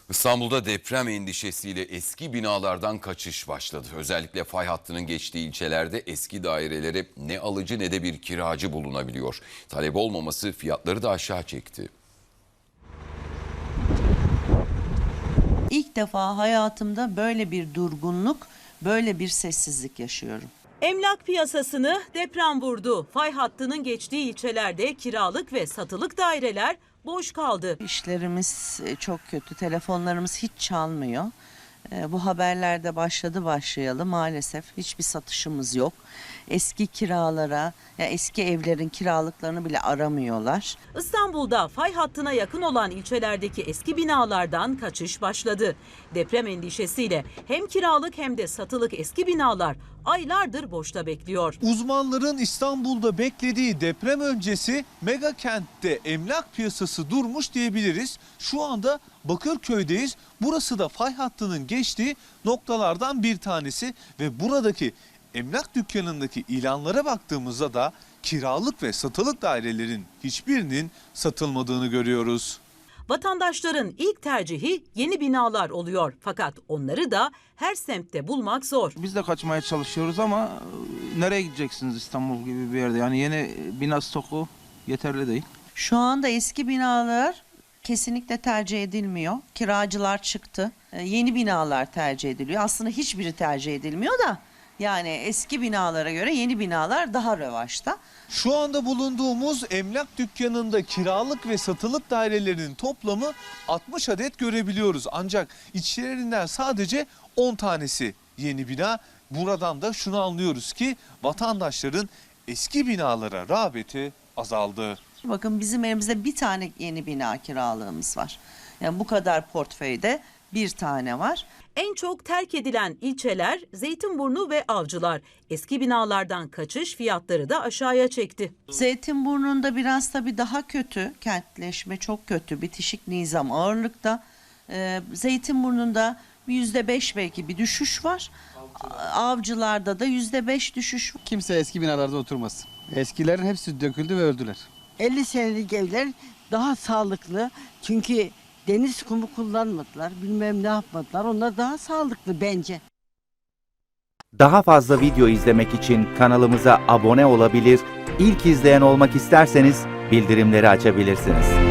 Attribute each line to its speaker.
Speaker 1: İstanbul'da deprem endişesiyle eski binalardan kaçış başladı. Özellikle fay hattının geçtiği ilçelerde eski dairelere ne alıcı ne de bir kiracı bulunabiliyor. Talep olmaması fiyatları da aşağı çekti.
Speaker 2: İlk defa hayatımda böyle bir durgunluk, böyle bir sessizlik yaşıyorum.
Speaker 3: Emlak piyasasını deprem vurdu. Fay hattının geçtiği ilçelerde kiralık ve satılık daireler boş kaldı.
Speaker 2: İşlerimiz çok kötü, telefonlarımız hiç çalmıyor. Bu haberlerde başlayalı maalesef hiçbir satışımız yok. Eski kiralara, ya eski evlerin kiralıklarını bile aramıyorlar.
Speaker 3: İstanbul'da fay hattına yakın olan ilçelerdeki eski binalardan kaçış başladı. Deprem endişesiyle hem kiralık hem de satılık eski binalar aylardır boşta bekliyor.
Speaker 4: Uzmanların İstanbul'da beklediği deprem öncesi mega kentte emlak piyasası durmuş diyebiliriz. Şu anda Bakırköy'deyiz. Burası da fay hattının geçtiği noktalardan bir tanesi ve buradaki emlak dükkanındaki ilanlara baktığımızda da kiralık ve satılık dairelerin hiçbirinin satılmadığını görüyoruz.
Speaker 3: Vatandaşların ilk tercihi yeni binalar oluyor. Fakat onları da her semtte bulmak zor.
Speaker 5: Biz de kaçmaya çalışıyoruz ama nereye gideceksiniz İstanbul gibi bir yerde? Yani yeni bina stoku yeterli değil.
Speaker 2: Şu anda eski binalar kesinlikle tercih edilmiyor. Kiracılar çıktı. Yeni binalar tercih ediliyor. Aslında hiçbiri tercih edilmiyor da yani eski binalara göre yeni binalar daha revaçta.
Speaker 4: Şu anda bulunduğumuz emlak dükkanında kiralık ve satılık dairelerin toplamı 60 adet görebiliyoruz. Ancak içlerinden sadece 10 tanesi yeni bina. Buradan da şunu anlıyoruz ki vatandaşların eski binalara rağbeti azaldı.
Speaker 2: Bakın bizim elimizde bir tane yeni bina kiralığımız var. Yani bu kadar portföyde bir tane var.
Speaker 3: En çok terk edilen ilçeler Zeytinburnu ve Avcılar. Eski binalardan kaçış fiyatları da aşağıya çekti.
Speaker 2: Zeytinburnu'nda biraz tabii daha kötü, kentleşme çok kötü, bitişik nizam ağırlıkta. Zeytinburnu'nda %5 belki bir düşüş var. Avcılarda da %5 düşüş var.
Speaker 6: Kimse eski binalarda oturmasın. Eskilerin hepsi döküldü ve öldüler.
Speaker 7: 50 senelik evler daha sağlıklı. Çünkü deniz kumu kullanmadılar. Bilmem ne yapmadılar. Onlar daha sağlıklı bence.
Speaker 8: Daha fazla video izlemek için kanalımıza abone olabilir, ilk izleyen olmak isterseniz bildirimleri açabilirsiniz.